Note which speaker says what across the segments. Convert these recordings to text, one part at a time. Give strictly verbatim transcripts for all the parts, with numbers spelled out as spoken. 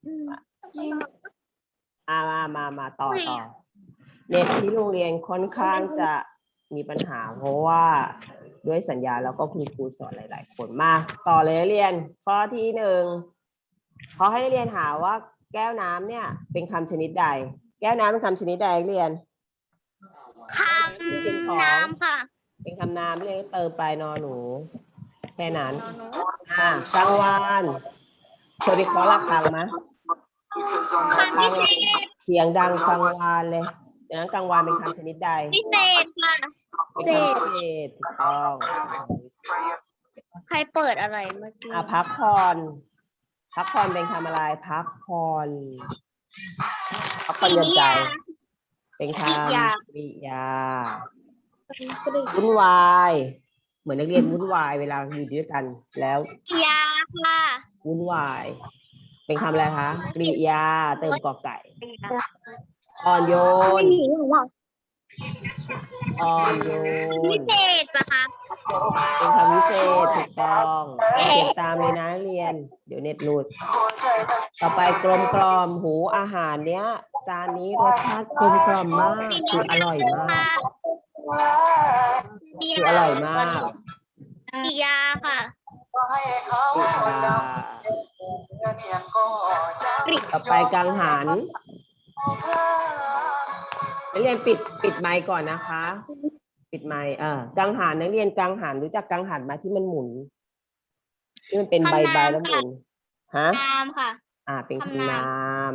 Speaker 1: อ่ามามามาต่อต่อเน็ตที่โรงเรียนค่อนข้างจะมีปัญหาเพราะว่าด้วยสัญญาแล้วก็คุณครูสอนหลายๆคนมาต่อเลยนักเรียนข้อที่หนึ่งเขาให้นักเรียนหาว่าแก้วน้ำเนี่ยเป็นคำชนิดใดแก้วน้ำเป็นคำชนิดใดนักเรียน
Speaker 2: คำนามค่ะ
Speaker 1: เป็นคำนามเรียกเติมไปนอหนูแค่นั้นอ่ากลางวันเคยไปเคาะระฆังไหมฟังเสียงดังฟังวานเลยดังนั้นกลางวันเป็นคำชนิดใด
Speaker 2: พิเศษค่ะ
Speaker 1: เป็นคำพิเศษถูกต้อง
Speaker 2: ใครเปิดอะไรเมื่อกี้
Speaker 1: อ่ะพักผ่อนพักผ่อนเป็นคำอะไรพักผ่อนพักผ่อนหย่อนใจเป็นคำกริยาวุ่นวายเหมือนนักเรียนวุ่นวายเวลาอยู่ด้วยกันแล้ว
Speaker 2: กริยาค่ะ
Speaker 1: วุ่นวายเป็นคำอะไรคะกริยาเติมกอไก่อ่อนโยนอ่อนโยน
Speaker 2: พิเศษปะคะ
Speaker 1: เป็นคำวิเศษถูกต้องเขียนตามเลยนะเรียนเดี๋ยวเน็ตหลุดต่อไปกลมกล่อมหูอาหารเนี้ยจานนี้รสชาติกลมกล่อมมากคืออร่อยมากคืออร่อยมาก
Speaker 2: กริยาค่ะ
Speaker 1: ต่อไปกังหันนักเรียนปิดปิดไมค์ก่อนนะคะปิดไมค์เออกังหันนักเรียนกังหันรู้จักกังหันมาที่มันหมุนที่มันเป็นใบใบแล้วหมุนฮะ
Speaker 2: นามค่ะ
Speaker 1: อ่าเป็นคำนาม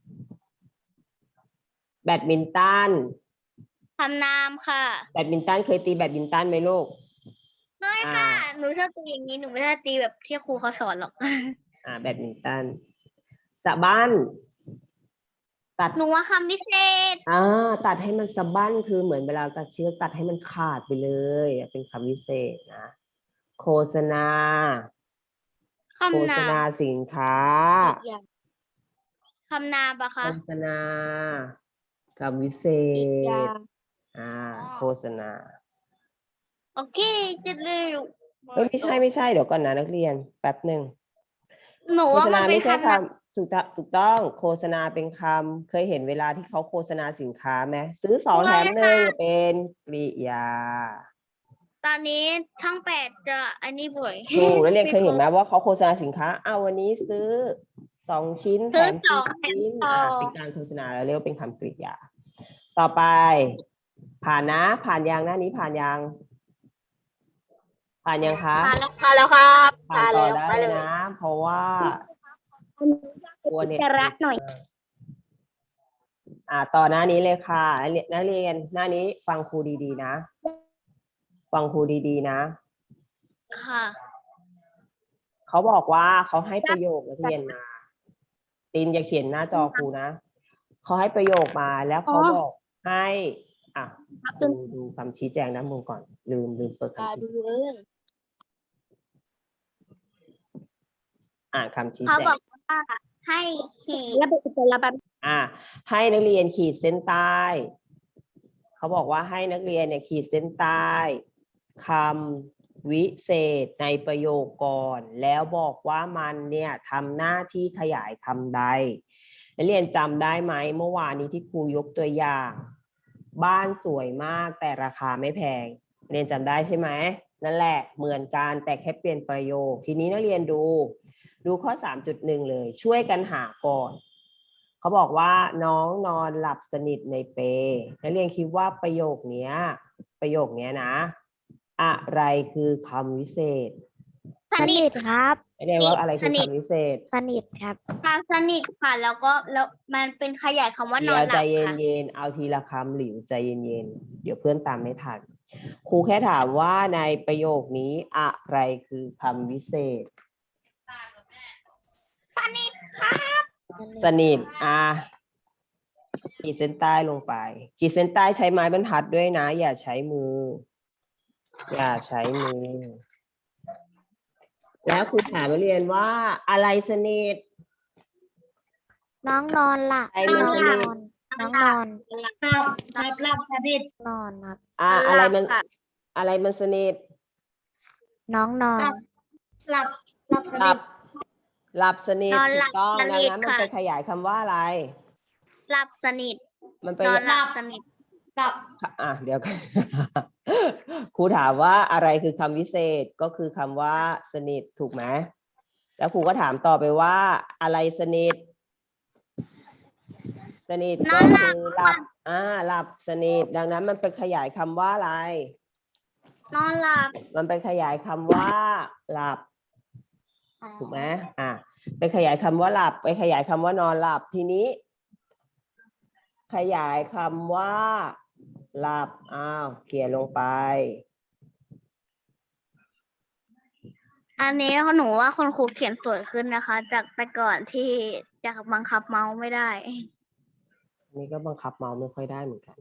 Speaker 1: แบดมินตัน
Speaker 2: คำนามค่ะ
Speaker 1: แบดมินตันเคยตีแบดมินตันไหมลูก
Speaker 2: เคยค่ะหนูชอบตีอย่างนี้หนูไม่ได้ตีแบบที่ครูเขาสอนหรอก
Speaker 1: อ่าแบดมินตันสะบั้นตัด
Speaker 2: หนูว่าคำพิเศษ
Speaker 1: อ่าตัดให้มันสะบั้นคือเหมือนเวลาตัดเชือกตัดให้มันขาดไปเลยเป็นคำวิเศษนะโฆษณาโฆษณาสินค้า
Speaker 2: คำนามปะคะ
Speaker 1: โฆษณาคำวิเศษอ่าโฆษณา
Speaker 2: โอเคจะเร็ว
Speaker 1: ไม่ใช่ไม่ใช่เดี๋ยวก่อนนะนักเรียนแป๊บหนึ่ง
Speaker 2: หนูว่ามันเป็นค
Speaker 1: ำถูกถูกต้องโฆษณาเป็นคำเคยเห็นเวลาที่เขาโฆษณาสินค้าไหมซื้อสองแถมหนึ่งเป็นกริยา
Speaker 2: ตอนนี้ช่องแปดจะอันนี้บ่อย
Speaker 1: ถูกแล้วเรียนเคยเห็นไหมว่าเขาโฆษณาสินค้าอ้าววันนี้ซื้อสองชิ้นแถมสี่ชิ้นอ่าเป็นการโฆษณาแล้วเรียกว่าเป็นคำกริยาต่อไปผ่านนะผ่านยังหน้านี้ผ่านยังผ่านยังคะ
Speaker 2: ผ่านแล้วผ่านแล้วครับ
Speaker 1: ผ่านต่อได้นะเพราะว่าตัวเน็ตหน่อยอ่าต่อหน้านี้เลยค่ะนักเรียนหน้านี้ฟังครูดีๆนะฟังครูดีๆนะ
Speaker 2: ค่ะ
Speaker 1: เขาบอกว่าเขาให้ประโยคนักเรียนมาตินอย่าเขียนหน้าจอครูนะเขาให้ประโยคมาแล้วเขาบอกให้อ่ะดูดูคำชี้แจงด้านบนก่อนลืมลืมเปิดคำชี้แจงอ่านคำชี้แจง
Speaker 2: เขาบอกว่าให้ขีดแล้วเป็นระบ
Speaker 1: บอ่าให้นักเรียนขีดเส้นใต้เขาบอกว่าให้นักเรียนเนี่ยขีดเส้นใต้คำวิเศษในประโยคก่อนแล้วบอกว่ามันเนี่ยทำหน้าที่ขยายคำใดนักเรียนจำได้ไหมเมื่อวานนี้ที่ครูยกตัวอย่างบ้านสวยมากแต่ราคาไม่แพงเรียนจำได้ใช่ไหมนั่นแหละเหมือนกันแต่แค่เปลี่ยนประโยคทีนี้นักเรียนดูดูข้อ สามจุดหนึ่ง เลยช่วยกันหาก่อนเขาบอกว่าน้องนอนหลับสนิทในเปลนักเรียนคิดว่าประโยคนี้ประโยคนี้นะอะไรคือคำวิเศษ
Speaker 2: สนิทครับ
Speaker 1: ไม่ได้ว่าอะไรคือคำวิเศษ
Speaker 2: สนิทครับความสนิทค่ะแล้วก็แล้วมันเป็นขยายคำว่านอนหลับค่ะ
Speaker 1: ใจเย็นๆเอาทีละคำหลิวใจเย็นๆเดี๋ยวเพื่อนตามไม่ทันครูแค่ถามว่าในประโยคนี้อะไรคือคำวิเศษ
Speaker 2: สนิทครับ
Speaker 1: สนิทอ่ะขีดเส้นใต้ลงไปขีดเส้นใต้ใช้ไม้บรรทัดด้วยนะอย่าใช้มืออย่าใช้มือแล้วครูถามนักเรียนว่าอะไรสนิท
Speaker 2: น้องนอนหลับ
Speaker 1: น้องนอน
Speaker 2: น้องนอนหลับหลับหลับสนิทนอนครับ
Speaker 1: อ่าอะไรมันอะไรมันสนิท
Speaker 2: น้องนอนหลับหลับสนิท
Speaker 1: หลับสนิท
Speaker 2: นอน
Speaker 1: ถู
Speaker 2: หลั
Speaker 1: ก
Speaker 2: บ
Speaker 1: ต้อง
Speaker 2: ส
Speaker 1: ดัง
Speaker 2: นิท
Speaker 1: นั้นมัน
Speaker 2: ค่ะ
Speaker 1: ไปขยายคำว่าอะไร
Speaker 2: หลับสนิท
Speaker 1: มันไป
Speaker 2: นอนหลับสนิท
Speaker 3: หลับ
Speaker 1: อ่ะเดี๋ยว ครูถามว่าอะไรคือคำวิเศษก็คือคำว่าสนิทถูกไหมแล้วครูก็ถามต่อไปว่าอะไรสนิท สนิท
Speaker 2: น
Speaker 1: ก็
Speaker 2: อนหลั
Speaker 1: คื
Speaker 2: บ
Speaker 1: อหลับ อ่า หลับสนิท ดังนั้นมันไปขยายคำว่าอะไร
Speaker 2: นอนหลับ
Speaker 1: มันไปขยายคำว่าหลับ
Speaker 2: อ๋อ
Speaker 1: ถูกไหมอ่ะไปขยายคำว่าหลับ ไปขยายคำว่านอนหลับทีนี้ ขยายคำว่า หลับอ้าวเขียนลงไป
Speaker 2: อันนี้หนูว่าคุณครูเขียนสวยขึ้นนะคะ จากแต่ก่อนที่จะบังคับเมาส์ไม่ได้
Speaker 1: นี่ก็บังคับเมาส์ไม่ค่อยได้เหมือนกัน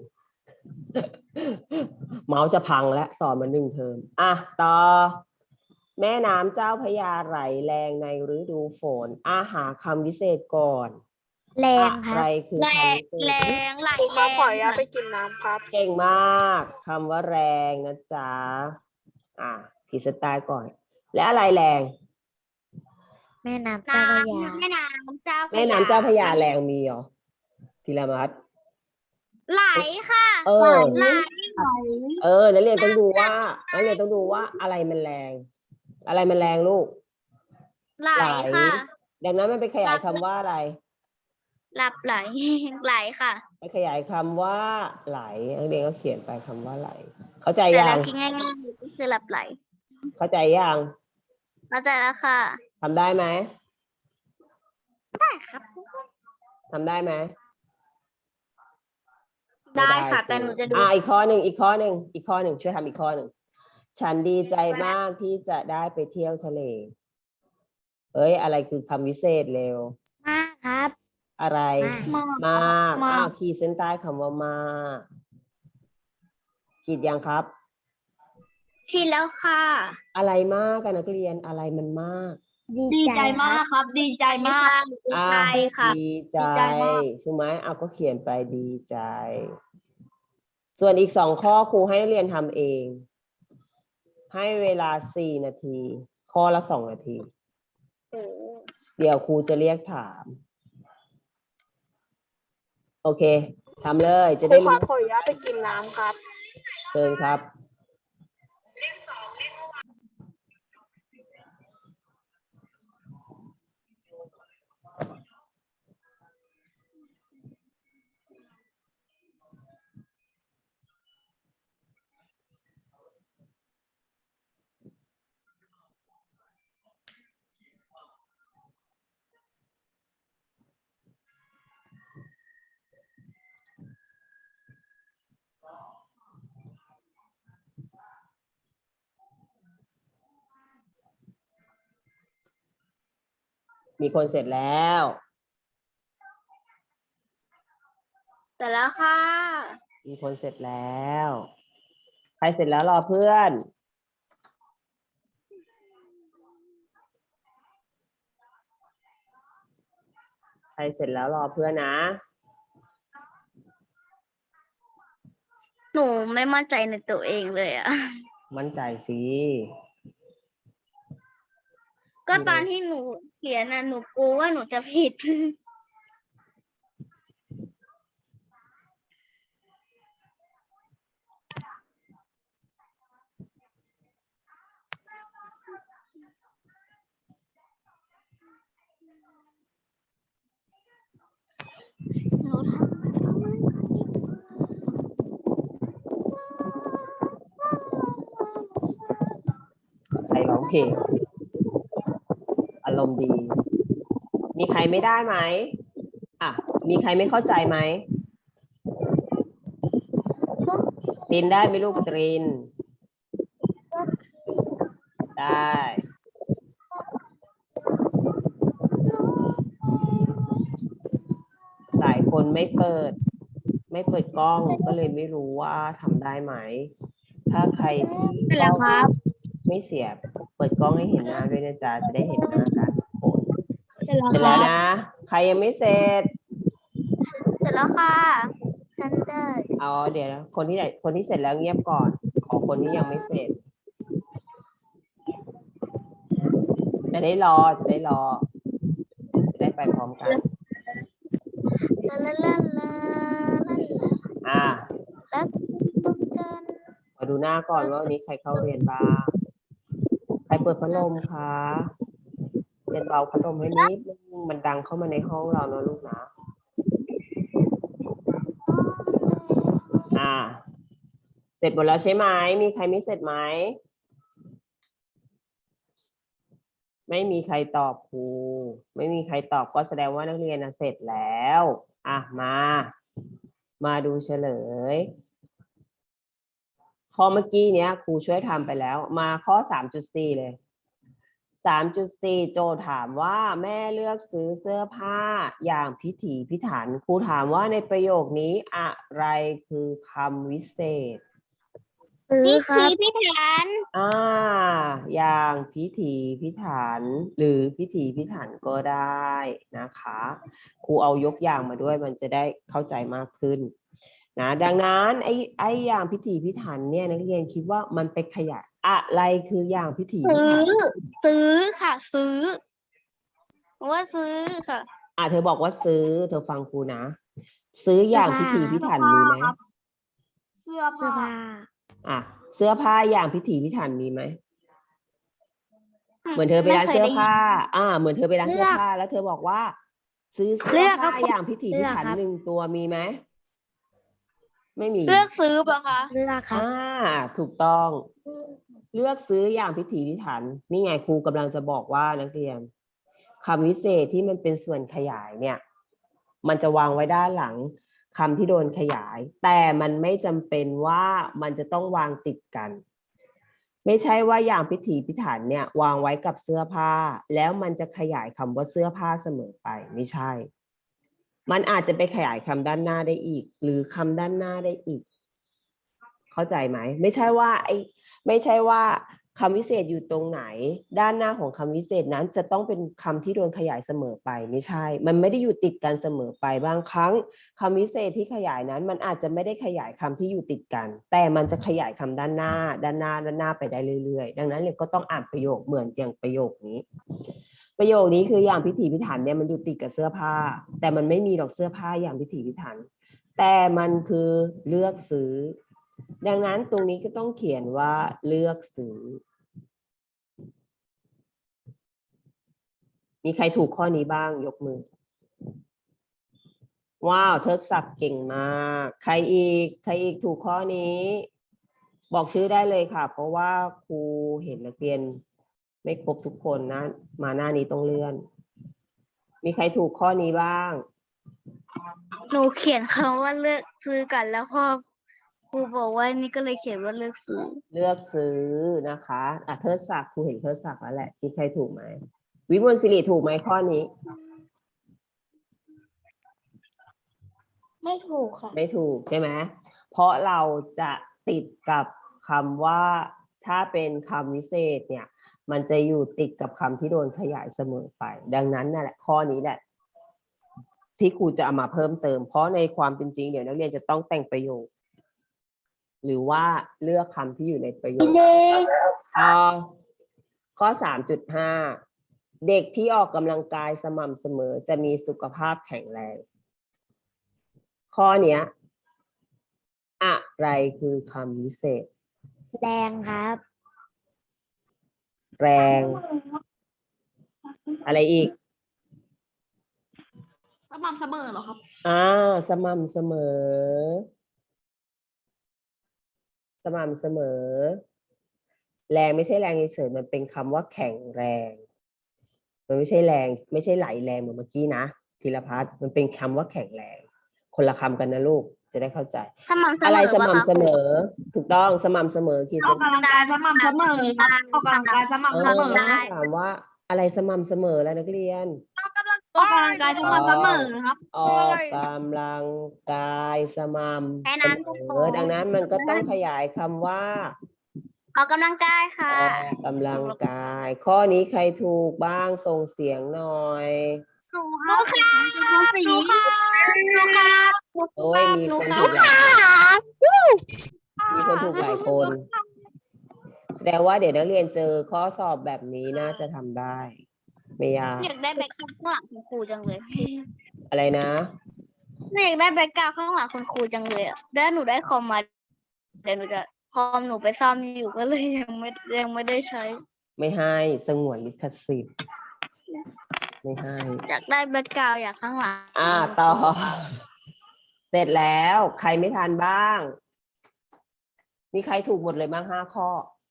Speaker 1: เมาส์จะพังและสอนมาหนึ่งเทอมอ่ะต่อ แม่น้ำเจ้าพระยาไหลแรงในฤดูฝนอาหาคำวิเศษก่อน
Speaker 2: แร
Speaker 1: อะ
Speaker 2: งค
Speaker 1: ไร
Speaker 2: รับ
Speaker 1: คือ
Speaker 2: แร
Speaker 1: คำ
Speaker 2: ง
Speaker 1: วิเศ
Speaker 2: แร
Speaker 1: ษ
Speaker 2: งไหล
Speaker 3: ครู
Speaker 2: แร
Speaker 3: ครับ
Speaker 2: ง
Speaker 3: ขออนุญาต
Speaker 2: ค่ะ
Speaker 3: ไปกินน้ำครับ
Speaker 1: เก่งมากคำว่าแรงนะจ๊ะอ่ะขีดเส้นใต้ก่อน และอะไรแรง
Speaker 4: แม่น้ำเจ้าพระยา
Speaker 2: น้ำแม่น้ำเจ้าพระยา
Speaker 1: แม่น้ำเจ้าพระยาแรงมีเหรอธีรมัต
Speaker 2: ไหลค่ะ
Speaker 1: เออ
Speaker 2: ไหล
Speaker 1: เออนักเรียนต้องดูว่านักเรียนต้องดูว่าอะไรมันแรง อะไรมันแรงลูก
Speaker 2: ไหลค่ะ
Speaker 1: ดังนั้นมันไปขยายคำว่าอะไร
Speaker 2: หลับไหล ไหลค่ะ
Speaker 1: ไปขยายคำว่า ไหลนักเรียนก็เขียนไปคำว่าไหล เข้าใจ
Speaker 2: แต่
Speaker 1: ยั
Speaker 2: เรา
Speaker 1: ง
Speaker 2: คิดง่ายๆก็คือหลับไหล
Speaker 1: เข้าใจยัง
Speaker 2: เข้าใจแล้วค่ะ
Speaker 1: ทำได้ไหม
Speaker 2: ได้ครับ
Speaker 1: ทำได้ไหม
Speaker 2: ได้ค่ะ
Speaker 1: ม่
Speaker 2: แต่หนูจะดู
Speaker 1: อ่าอีกข้อหนึ่งอีกข้อหนึ่งอีกข้อหนึ่งช่วยทำอีกข้อหนึ่งฉันดีใจมากที่จะได้ไปเที่ยวทะเลเอ้ยอะไรคือคำวิเศษเร็ว
Speaker 4: มากครับ
Speaker 1: อะไร
Speaker 4: มาก
Speaker 1: มาก
Speaker 2: มาก
Speaker 1: อ้าวขีดเส้นใต้คำว่ามากขีดยังครับ
Speaker 2: ชินแล้วค่ะ
Speaker 1: อะไรมากกันนักเรียนอะไรมันมาก
Speaker 4: ดีใจมาก
Speaker 3: ครับ ดีใจมาก
Speaker 2: ดี
Speaker 1: อ่า
Speaker 2: ใจค่ะ
Speaker 1: ดีใจ
Speaker 3: ดีใจมาก
Speaker 1: ใช่ไหมเอาก็เขียนไปดีใจ ส่วนอีกสองข้อครูให้นักเรียนทำเอง ให้เวลาสี่นาที ข้อละสองนาที เดี๋ยวครูจะเรียกถาม โอเคทำเลยจะ
Speaker 3: ครู
Speaker 1: ได้
Speaker 3: ครั
Speaker 1: รู้
Speaker 3: บขออนุญาตไปกินน้ำครับ
Speaker 1: เชิญครับ มีคนเสร็จแล้ว
Speaker 2: แต่แล้วค่ะ
Speaker 1: มีคนเสร็จแล้ว ใครเสร็จแล้วรอเพื่อน ใครเสร็จแล้วรอเพื่อนนะ
Speaker 2: หนูไม่มั่นใจในตัวเองเลยอะ
Speaker 1: มั่นใจสิ
Speaker 2: ก็ตอนที่หนูเขียนน่ะหนูกลัวว่าหนูจะผิด หนูทำ
Speaker 1: ใครร้องเพลงอารมณ์ดี มีใครไม่ได้ไหมอ่ะ มีใครไม่เข้าใจไหมตรินได้ไหมลูกตริน ได้ หลายคนไม่เปิด ไม่เปิดกล้องก็เลยไม่รู้ว่าทำได้ไหม ถ้าใครที่
Speaker 2: เสร็จแล้วครับ
Speaker 1: ไม่เสียบเปิดกล้องให้เห็นหน้าด้วยนะจ๊ะจะได้เห็นหน้ากันทุกคน
Speaker 2: เสร็จแล้ว
Speaker 1: เสร็จ
Speaker 2: ค
Speaker 1: แล้
Speaker 2: รั
Speaker 1: ว
Speaker 2: บ
Speaker 1: นะ ใครยังไม่เสร็จ
Speaker 2: เสร็จแล้วค่ะ ฉันได้
Speaker 1: เอาเดี๋ยวนะคนที่ไหนคนที่เสร็จแล้วเงียบก่อน ขอคนที่ยังไม่เสร็จ จะได้รอจะได้รอจะได้ไปพร้อมกัน
Speaker 2: ลาลาลาลา
Speaker 1: อ่า
Speaker 2: แล้วทุกท่าน
Speaker 1: มาดูหน้าก่อนว่าวันนี้ใครเข้าเรียนบ้าง ใครเปิดพัดลมคะเรียนเบาพัดลมให้นิดนึงมันดังเข้ามาในห้องเราเนอะลูกนะ อ่า เสร็จหมดแล้วใช่ไหม มีใครไม่เสร็จไหม ไม่มีใครตอบครู ไม่มีใครตอบก็แสดงว่านักเรียนน่ะเสร็จแล้ว อ่ะ มา มาดูเฉลย ข้อเมื่อกี้เนี้ยครูช่วยทำไปแล้ว มาข้อ สามจุดสี่ เลย สามจุดสี่ โจทย์ถามว่าแม่เลือกซื้อเสื้อผ้าอย่างพิถีพิถัน ครูถามว่าในประโยคนี้อะไรคือคำวิเศษ
Speaker 4: ซื้อ
Speaker 2: พิ
Speaker 4: ครั
Speaker 2: ธี
Speaker 4: บ
Speaker 2: พิถัน
Speaker 1: อ่า อย่างพิถีพิถัน หรือพิถีพิถันก็ได้นะคะ ครูเอายกอย่างมาด้วยมันจะได้เข้าใจมากขึ้นนะดังนั้นไอ้ไอ้อย่างพิถีพิถันเนี่ยนักเรียนคิดว่ามันไปขยายอะไรคืออย่างพิถีพิ
Speaker 2: ซื้อ
Speaker 1: ถัน
Speaker 2: ซื้อค่ะ ซื้อว่าซื้อค่ะ
Speaker 1: อ่ะเธอบอกว่าซื้อ เธอฟังครูนะ ซื้ออย่างพิถีพิถันมีไหม
Speaker 3: เสื้อ
Speaker 4: เสื้อ
Speaker 3: ผ้า
Speaker 4: ผ้า
Speaker 1: อ่ะเสื้อผ้าอย่างพิถีพิถันมีไหม เหมือนเธอไปร้าน
Speaker 2: ไม่เคย
Speaker 1: เสื้อ
Speaker 2: ได้ยิน
Speaker 1: ผ้า อ่า เหมือนเธอไปร้าน
Speaker 4: เลื
Speaker 1: เสื้อ
Speaker 4: อก
Speaker 1: ผ้า แล้วเธอบอกว่า ซื้อเสื้
Speaker 2: เลื
Speaker 1: อ
Speaker 2: อกครั
Speaker 1: ผ้า
Speaker 2: บ
Speaker 1: อย่างพิถีพิถัน
Speaker 4: เลือกครับ
Speaker 1: หนึ่งตัวมีไหม ไม่มี
Speaker 2: เลือกซื้อเปล่าคะ
Speaker 4: เลือกครับ
Speaker 1: อ่า ถูกต้อง เลือกซื้ออย่างพิถีพิถัน นี่ไงครูกำลังจะบอกว่านักเรียนคำวิเศษที่มันเป็นส่วนขยายเนี่ย มันจะวางไว้ด้านหลังคำที่โดนขยาย แต่มันไม่จำเป็นว่ามันจะต้องวางติดกัน ไม่ใช่ว่าอย่างพิถีพิถันเนี่ยวางไว้กับเสื้อผ้า แล้วมันจะขยายคำว่าเสื้อผ้าเสมอไปไม่ใช่ มันอาจจะไปขยายคำด้านหน้าได้อีก หรือคำด้านหน้าได้อีก เข้าใจไหม ไม่ใช่ว่าไอ้ไม่ใช่ว่าคำวิเศษอยู่ตรงไหน ด้านหน้าของคำวิเศษนั้นจะต้องเป็นคำที่โดนขยายเสมอไปไม่ใช่ มันไม่ได้อยู่ติดกันเสมอไปบางครั้งคำวิเศษที่ขยายนั้น มันอาจจะไม่ได้ขยายคำที่อยู่ติดกัน แต่มันจะขยายคำด้านหน้า ด้านหน้าด้านหน้าไปได้เรื่อยๆดังนั้นเลยก็ต้องอ่านประโยคเหมือนอย่างประโยคนี้ ประโยคนี้คืออย่างพิถีพิถันเนี่ยมันอยู่ติดกับเสื้อผ้า แต่มันไม่มีดอกเสื้อผ้าอย่างพิถีพิถัน แต่มันคือเลือกซื้อ ดังนั้นตรงนี้ก็ต้องเขียนว่าเลือกซื้อ มีใครถูกข้อนี้บ้างยกมือ ว้าวเทิดศักดิ์เก่งมาก ใครอีก ใครอีกถูกข้อนี้ บอกชื่อได้เลยค่ะ เพราะว่าครูเห็นนักเรียนไม่ครบทุกคนนะ มาหน้านี้ต้องเลื่อน มีใครถูกข้อนี้บ้าง
Speaker 2: หนูเขียนคำว่าเลือกซื้อกันแล้วพ่อครูบอกว่านี่ก็เลยเขียนว่าเลือกซื้อ
Speaker 1: เลือกซื้อนะคะอ่ะเทิดศักดิ์ครูเห็นเทิดศักดิ์แล้วแหละมีใครถูกไหม วิมลศิริถูกไหมข้อนี้
Speaker 3: ไม่ถูกค่ะ
Speaker 1: ไม่ถูกใช่ไหม เพราะเราจะติดกับคำว่าถ้าเป็นคำวิเศษเนี่ย มันจะอยู่ติดกับคำที่โดนขยายเสมอไป ดังนั้นนั่นแหละข้อนี้แหละ ที่ครูจะเอามาเพิ่มเติม เพราะในความเป็นจริงเดี๋ยวนักเรียนจะต้องแต่งประโยค หรือว่าเลือกคำที่อยู่ในประโยคอ่าข้อ สามจุดห้า เด็กที่ออกกำลังกายสม่ำเสมอจะมีสุขภาพแข็งแรง ข้อเนี้ยอะไรคือคำวิเศษ
Speaker 4: แรงครับ
Speaker 1: แรง อะไรอีก
Speaker 3: สม่ำเสมอเหรอครับ
Speaker 1: อ่าสม่ำเสมอ สม่ำเสมอ แรงไม่ใช่แรงเฉยๆมันเป็นคำว่าแข็งแรง มันไม่ใช่แรง ไม่ใช่ไหลแรงเหมือนเมื่อกี้นะธีรพัฒน์มันเป็นคำว่าแข็งแรง คนละคำกันนะลูกจะได้เข้าใจ
Speaker 2: สม่ำเสมอ
Speaker 1: อะไรส
Speaker 2: ปะคะ
Speaker 1: ม่ำเสมอ ถูกต้องสม่ำเสมอขีด
Speaker 3: อ
Speaker 1: เส้
Speaker 3: อก
Speaker 1: น
Speaker 3: กำลังกายสม่ำเสมอครับออกกำลังกายสม่ำ
Speaker 1: เอ
Speaker 3: เส
Speaker 1: อ
Speaker 3: มอ
Speaker 1: ถามว่าอะไรสม่ำเสมอแล้วนักเรียน
Speaker 3: ออกกำลังกายสม่ำเสมอครับ
Speaker 1: ออกกำลังกายสม่ำ
Speaker 2: แค่
Speaker 1: เส
Speaker 2: นั้น
Speaker 1: มอดังนั้นมันก็ต้องขยายคำว่า
Speaker 2: ออกกำลังกายค่ะ
Speaker 1: ออกกำลังกาย ข้อนี้ใครถูกบ้างส่งเสียงหน่อย
Speaker 2: หนูค่ะหนูสีหนูค่ะหนูค่ะ
Speaker 1: โอ้ยมีคนถูกหลายมีคนถูกหลายคน แสดงว่าเดี๋ยวนักเรียนเจอข้อสอบแบบนี้น่าจะทำได้ไม่ยาก
Speaker 2: อยากได้แบ็คกราวด์ข้างหลังคุณครูจังเลย
Speaker 1: อะไรนะ
Speaker 2: ไม่อยากได้แบ็คกราวด์ข้างหลังคุณครูจังเลยอ่ะแล้วหนูได้คอมมาเดี๋ยวหนูจะคอมหนูไปซ่อมอยู่ก็เลยยังไม่ยังไม่ได้ใช้
Speaker 1: ไม่ให้สงวนลิขสิทธิ์ไม่ให้
Speaker 2: อยากได้แบ็คกราวด์อยากข้างหลัง
Speaker 1: อ่าต่อ เสร็จแล้วใครไม่ทันบ้าง มีใครถูกหมดเลยบ้างห้าข้อ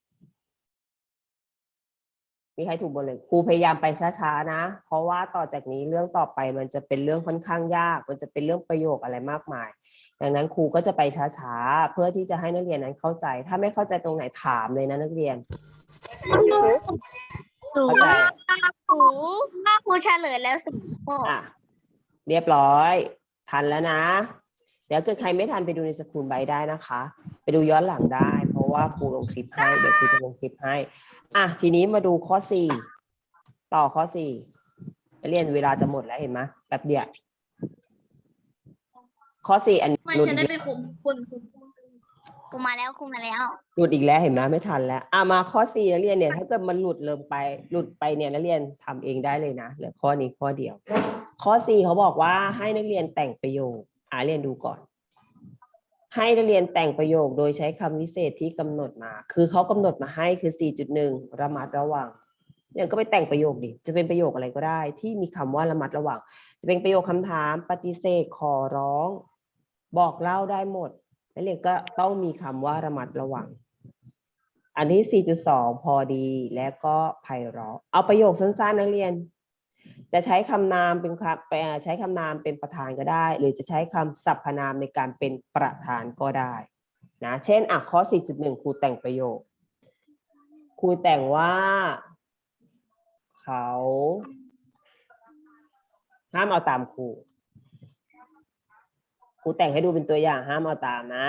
Speaker 1: มีใครถูกหมดเลยครูพยายามไปช้าๆนะเพราะว่าต่อจากนี้เรื่องต่อไปมันจะเป็นเรื่องค่อนข้างยากมันจะเป็นเรื่องประโยคอะไรมากมาย ดังนั้นครูก็จะไปช้าๆเพื่อที่จะให้นักเรียนนั้นเข้าใจ ถ้าไม่เข้าใจตรงไหนถามเลยนะนักเรียน
Speaker 2: หนู
Speaker 1: เข้าใจ
Speaker 2: หนูครูเฉลยแล้วสิข้อ
Speaker 1: อ่ะเรียบร้อย ทันแล้วนะ เดี๋ยวเกิดใครไม่ทันไปดูในสกูลไบท์ได้นะคะ ไปดูย้อนหลังได้ เพราะว่าครูลงคลิปให้เดี๋ยวครูจะลงคลิปให้อ่ะทีนี้มาดูข้อสี่ต่อข้อสี่นักเรียนเวลาจะหมดแล้วเห็นไหมแป๊บเดียวข้อสี่อัน
Speaker 3: ไม่
Speaker 1: หลุด
Speaker 3: ใช่
Speaker 1: อีก
Speaker 3: ได้ไปคุมคุณคุณ
Speaker 2: ครูมาแล้วครูมาแล้ว
Speaker 1: หลุดอีกแล้วเห็นไหมไม่ทันแล้วอ่ะมาข้อสี่นักเรียนเนี่ยถ้าเกิดมันหลุดเริ่มไปหลุดไปเนี่ยนักเรียนทำเองได้เลยนะเหลือข้อนี้ข้อเดียว ข้อสี่เขาบอกว่าให้นักเรียนแต่งประโยคอ่ะเรียนดูก่อน ให้นักเรียนแต่งประโยคโดยใช้คำวิเศษที่กำหนดมา คือเขากำหนดมาให้คือ สี่จุดหนึ่ง ระมัดระวังเนี่ยก็ไปแต่งประโยคดิจะเป็นประโยคอะไรก็ได้ที่มีคำว่าระมัดระวังจะเป็นประโยคคำถามปฏิเสธขอร้อง บอกเล่าได้หมดนักเรียนก็ต้องมีคำว่าระมัดระวัง อันที่ สี่จุดสอง พอดีและก็ไพเราะเอาประโยคสั้นๆนักเรียน จะใช้คำนามเป็นคำไปใช้คำนามเป็นประธานก็ได้ หรือจะใช้คำสรรพนามในการเป็นประธานก็ได้นะเช่นอ่ะข้อ สี่จุดหนึ่ง ครูแต่งประโยคครูแต่งว่า เขาห้ามเอาตามครูครูแต่งให้ดูเป็นตัวอย่างห้ามเอาตามนะ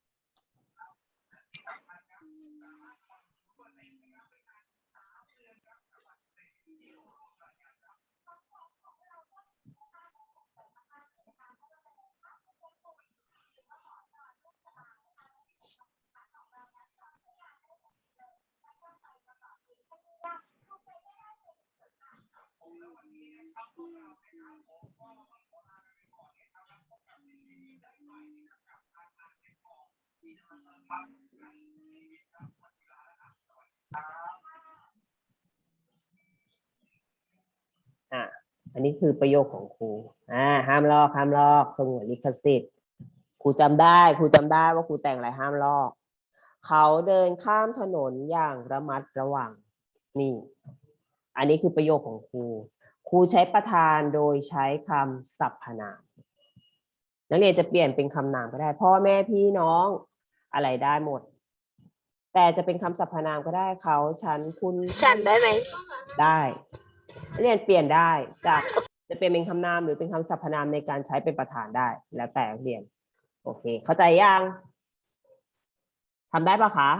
Speaker 1: อ่ะอันนี้คือประโยคของครูอ่าห้ามลอกห้ามลอกสงวนลิขสิทธิ์ครูจำได้ครูจำได้ว่าครูแต่งอะไรห้ามลอก เขาเดินข้ามถนนอย่างระมัดระวังนี่ อันนี้คือประโยคของครูครูใช้ประธานโดยใช้คำสรรพนามนักเรียนจะเปลี่ยนเป็นคำนามก็ได้พ่อแม่พี่น้องอะไรได้หมด แต่จะเป็นคำสรรพนามก็ได้เขาฉันคุณ
Speaker 4: ฉันได้ไหม
Speaker 1: ได้นักเรียนเปลี่ยนได้จากจะเปลี่ยนเป็นคำนามหรือเป็นคำสรรพนามในการใช้เป็นประธานได้ แล้วแต่นักเรียนโอเค เข้าใจยังทำได้ปะคะ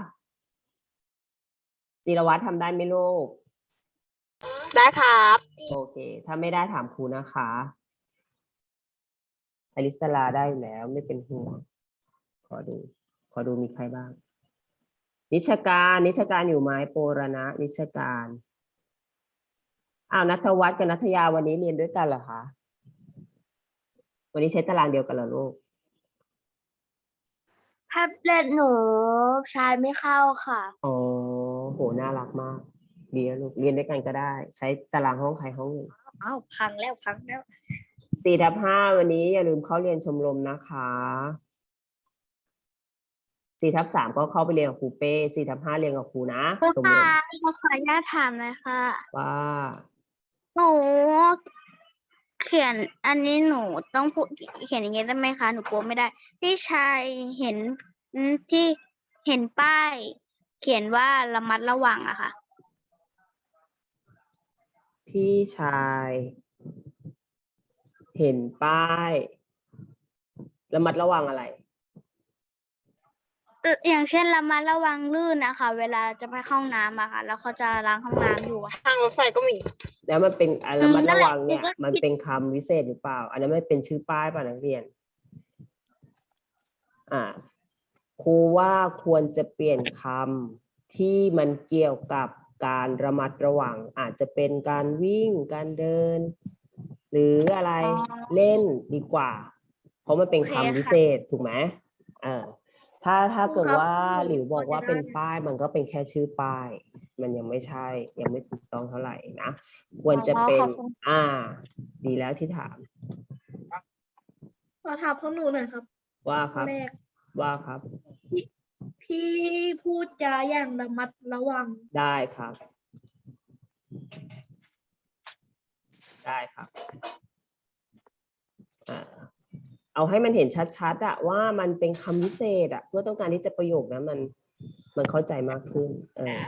Speaker 1: จิรวัตรทำได้ไหมลูก
Speaker 4: ได้ครับ
Speaker 1: โอเค ถ้าไม่ได้ถามครูนะคะอลิสลาได้อยู่แล้วไม่เป็นห่วง ขอดู ขอดูมีใครบ้าง นิชการ นิชการอยู่ไหมโปรณะนิชการอ้าวนัทวัฒน์กับนัทยาวันนี้เรียนด้วยกันเหรอคะ วันนี้ใช้ตารางเดียวกันเหรอลูก
Speaker 2: แท็บเล็ตหนูใช้ไม่เข้าค่ะ
Speaker 1: อ๋อ โห น่ารักมาก ดีแล้วลูก เรียนด้วยกันก็ได้ ใช้ตารางห้องใครห้องหนึ่ง
Speaker 2: อ้าวพังแล้วพังแล้ว
Speaker 1: สี่ทับห้าวันนี้อย่าลืมเข้าเรียนชมรมนะคะ สี่ทับสามก็เข้าไปเรียนกับครูเป้ สี่ทับห้าเรียนกับครูนะ ชมร
Speaker 2: ค่ะ
Speaker 1: ม
Speaker 2: ขอขออนุญาตถามเลยค่ะ
Speaker 1: ว่า
Speaker 2: หนูเขียนอันนี้หนูต้องพูดเขียนอย่างนี้ได้ไหมคะ หนูกลัวไม่ได้ พี่ชายเห็นอืมที่เห็นป้าย เขียนว่าระมัดระวังอะค่ะ
Speaker 1: พี่ชาย เห็นป้าย ระมัดระวังอะไร
Speaker 2: เอ่ออย่างเช่นระมัดระวังลื่นนะคะ เวลาจะไปเข้าห้องน้ำอะค่ะ แล้วเขาจะล้างห้องน้ำอยู่อะ
Speaker 4: ทางรถไฟก็มี
Speaker 1: แล้วมันเป็นอ่ะระมัดระวังเนี่ย
Speaker 2: นั่นแหละ
Speaker 1: มันเป็นคำวิเศษหรือเปล่า อันนั้นไม่เป็นชื่อป้ายป่ะนักเรียน อ่าครูว่าควรจะเปลี่ยนคำที่มันเกี่ยวกับการระมัดระวังอาจจะเป็นการวิ่งการเดิน หรืออะไร
Speaker 2: อ๋อ
Speaker 1: เล่นดีกว่า เพราะมันเป็น
Speaker 2: โอเค
Speaker 1: คำวิ
Speaker 2: ค่ะ
Speaker 1: เศษถูกไหมเออถ้าถ้าเกิด
Speaker 2: ครับ
Speaker 1: ว่าหลิวบอกว่าเป็นป้ายมันก็เป็นแค่ชื่อป้าย มันยังไม่ใช่ ยังไม่ถูกต้องเท่าไหร่นะควรจะเป็น
Speaker 2: อ๋อขอบคุณ
Speaker 1: อ่า ดีแล้วที่ถาม
Speaker 3: ขอถามข้อหนูหน่อยครับ
Speaker 1: ว่าค
Speaker 3: ข้อ
Speaker 1: รับ
Speaker 3: แรก
Speaker 1: ว่าครับ
Speaker 3: พี่พูดจาอย่างระมัดระวัง
Speaker 1: ได้ครับ ได้ครับอ่าเอาให้มันเห็นชัดๆอะว่ามันเป็นคำวิเศษอะเพื่อต้องการที่จะประโยคนั้นมันมันเข้าใจมากขึ้น เออ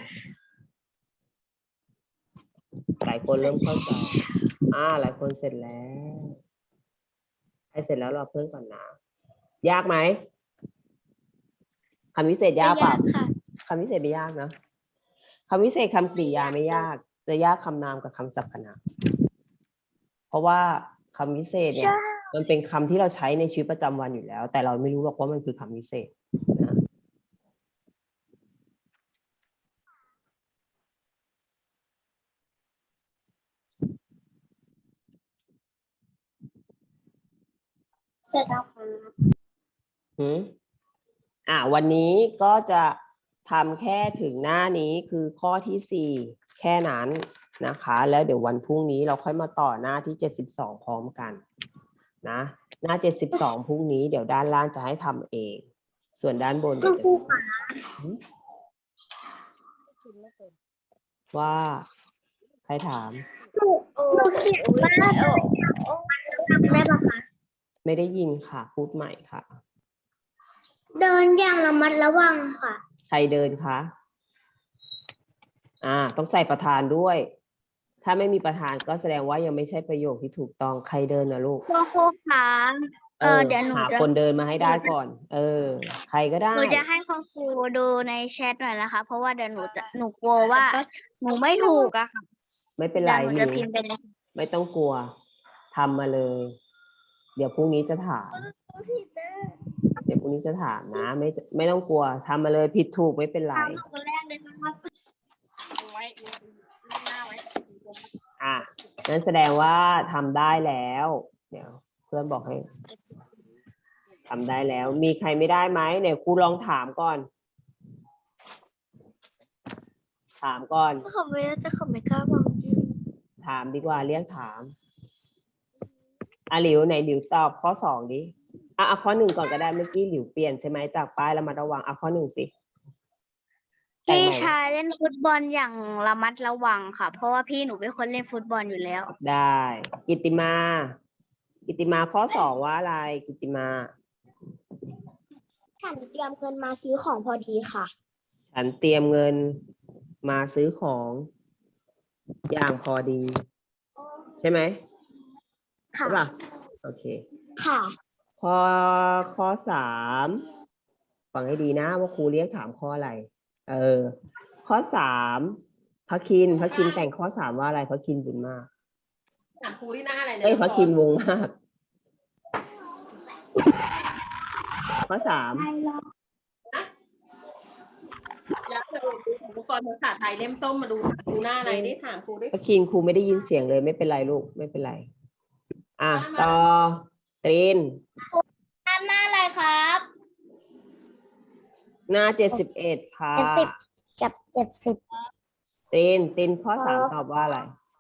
Speaker 1: หลายคนเริ่มเข้าใจ อ่า หลายคนเสร็จแล้วใครเสร็จแล้วรอเพิ่มก่อนนะ ยากไหมคำวิเศษยากเปล่า
Speaker 2: ค่ะ
Speaker 1: คำวิเศษไม่ยากนะคำวิเศษคำกริยาไม่ยาก จะยากคำนามกับคำสรรพนามเพราะว่าคำวิเศษเนี่ย มันเป็นคำที่เราใช้ในชีวิตประจำวันอยู่แล้ว แต่เราไม่รู้หรอกว่ามันคือคำวิเศษนะ
Speaker 2: เสร็จแล้วค่ะ
Speaker 1: หืมอ่าวันนี้ก็จะทำแค่ถึงหน้านี้คือข้อที่สี่แค่นั้นนะคะ แล้วเดี๋ยววันพรุ่งนี้เราค่อยมาต่อหน้าที่เจ็ดสิบสองพร้อมกันนะ หน้าเจ็ดสิบสองพรุ่งนี้เดี๋ยวด้านล่างจะให้ทำเอง ส่วนด้านบนเดี๋ยวจะหืมว่าใครถาม
Speaker 2: หนูหนูเขียนว่าแม่ปะคะ
Speaker 1: ไม่ได้ยินค่ะ พูดใหม่ค่ะ
Speaker 2: เดินอย่างระมัดระวังค่ะ
Speaker 1: ใครเดินคะ อ่า ต้องใส่ประธานด้วย ถ้าไม่มีประธานก็แสดงว่ายังไม่ใช่ประโยคที่ถูกต้อง ใครเดินนะลูก
Speaker 2: ครูครูคะเออเดี๋ยวหนู
Speaker 1: หา
Speaker 2: จะ
Speaker 1: คนเดินมาให้ได้ก่อน เออ ใครก็ได้
Speaker 2: หนูจะให้คุณครูดูในแชทหน่อยนะคะ เพราะว่าเดี๋ยวหนูจะหนูกลัวว่าหนูไม่ถูกอะค่ะ
Speaker 1: ไม่เป็นไร
Speaker 2: เดี๋ยวหนู
Speaker 1: ห
Speaker 2: จะ
Speaker 1: นู
Speaker 2: พิมพ์ไปเลย
Speaker 1: ไม่ต้องกลัว ทำมาเลย เดี๋ยวพรุ่งนี้จะถาม เดี๋ยวพรุ่งนี้จะถามนะ ไม่ไม่ต้องกลัว ทำมาเลยผิดถูกไม่เป็นไร
Speaker 2: ถามหนูคนแรกเลยนะครับ
Speaker 1: อ่ะนั่นแสดงว่าทำได้แล้ว เดี๋ยวเพื่อนบอกให้ทำได้แล้ว มีใครไม่ได้ไหมเนี่ยครูลองถามก่อน ถามก่อน
Speaker 2: เขาไม่จะเขาไม่กล้าบอก
Speaker 1: ถามดีกว่าเรียกถามอ่ะหลิวไหนหลิวตอบข้อสองดิอ่ะเอาข้อหนึ่งก่อนก็ได้เมื่อกี้หลิวเปลี่ยนใช่ไหมจากป้ายแล้วมาระวังเอาข้อหนึ่งสิแต่ง
Speaker 2: พี่
Speaker 1: ใหม่
Speaker 2: ชายเล่นฟุตบอลอย่างระมัดระวังค่ะ เพราะว่าพี่หนูเป็นคนเล่นฟุตบอลอยู่แล้ว
Speaker 1: ได้ กิตติมา กิตติมาข้อสองว่าอะไรกิตติมา
Speaker 2: ฉันเตรียมเงินมาซื้อของพอดีค่ะ
Speaker 1: ฉันเตรียมเงินมาซื้อของอย่างพอดี ใช่ไหม
Speaker 2: ค่ะ
Speaker 1: ใช่ป่ะโอเค
Speaker 2: ค่ะ
Speaker 1: ข้อข้อสามฟังให้ดีนะว่าครูเรียกถามข้ออะไร เออ ข้อสามพระคินพระคินแต่งข้อสามว่าอะไรพระคินบุญมาก
Speaker 3: ถามครูที่หน้าอะไรเนี่ย
Speaker 1: เอ้ยพระคินวงมาก ข้อสาม
Speaker 3: แล้วเดี๋ยวอุปกรณ์ภาษาไทยเล่มส้มมาดูดูหน้าอะไรได้ถามครูได้
Speaker 1: พระคินครูไม่ได้ยินเสียงเลยไม่เป็นไรลูกไม่เป็นไร อ่ะต่อตรีน
Speaker 2: ทำหน้าอะไรครับ
Speaker 1: หน้าเจ็ดสิบเอ็ดค่ะ
Speaker 2: เจ็ดสิบ กับเจ็ดสิบ
Speaker 1: ตรีนตรีนข้อสามตอบว่าอะไร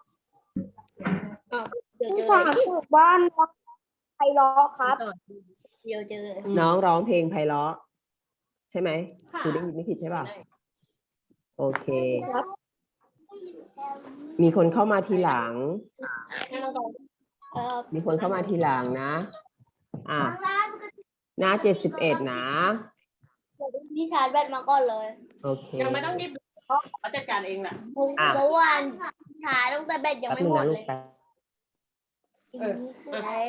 Speaker 3: เดี๋ยวเจอ
Speaker 2: ฝา
Speaker 3: อะไร
Speaker 2: กถูกบ้านไพเราะครับ
Speaker 3: เดี๋ยวเจอ
Speaker 1: น้องร้องเพลงไพเราะใช่ไหม
Speaker 3: ค่ะ
Speaker 1: ครูได้ยินไม่ผิดใช่ป่ะ โอเค มีคนเข้ามาทีหลัง
Speaker 2: เออ
Speaker 1: มีคนเข้ามาทีหลังนะ อ่ะ หน้าเจ็ดสิบเอ็ดนะ
Speaker 2: พี่ชาร์จแบตมาก่อนเลย
Speaker 1: โอเค
Speaker 3: ยังไม่ต้องรีบดูเพราะเขาจัดการเองแหละ
Speaker 1: อ่ะ
Speaker 2: เมื่อวานชาร์จตั้งแต่แบตยัง
Speaker 1: แป๊บ
Speaker 2: ไม่
Speaker 1: นึง
Speaker 2: หม
Speaker 1: นะ
Speaker 2: ด
Speaker 1: ลู
Speaker 2: เล
Speaker 1: ก
Speaker 2: ย
Speaker 1: แป๊บ
Speaker 3: เออ
Speaker 2: ไหน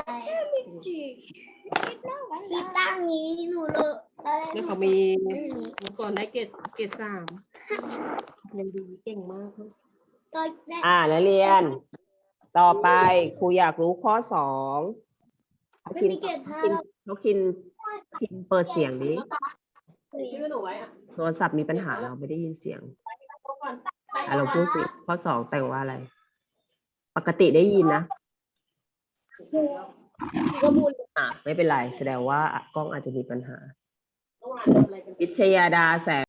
Speaker 2: ที่ตั้งนี้หนูเลย
Speaker 3: แล้วเขามีเมื่อก่อนได้เกรดเกรดสามยังดีเก่งมาก
Speaker 2: ก็ได้
Speaker 1: อ่านักเรียน ต่อไปครูอยากรู้ข้อสองเขา
Speaker 2: ไม่
Speaker 1: คิน
Speaker 2: มีเกรดห้า
Speaker 1: คิน
Speaker 2: แล้ว
Speaker 1: เขาคินคินเปิดเสียงดิ
Speaker 3: ชื่อหนูไว้อะ
Speaker 1: โทรศัพท์มีปัญหาเราไม่ได้ยินเสียงอ่ะเราพูดสิ ข้อสองแต่งว่าอะไร ปกติได้ยินนะ
Speaker 4: ก็พูด
Speaker 1: อ่ะไม่เป็นไร แสดงว่ากล้องอาจจะมีปัญหา วิชยาดาแสง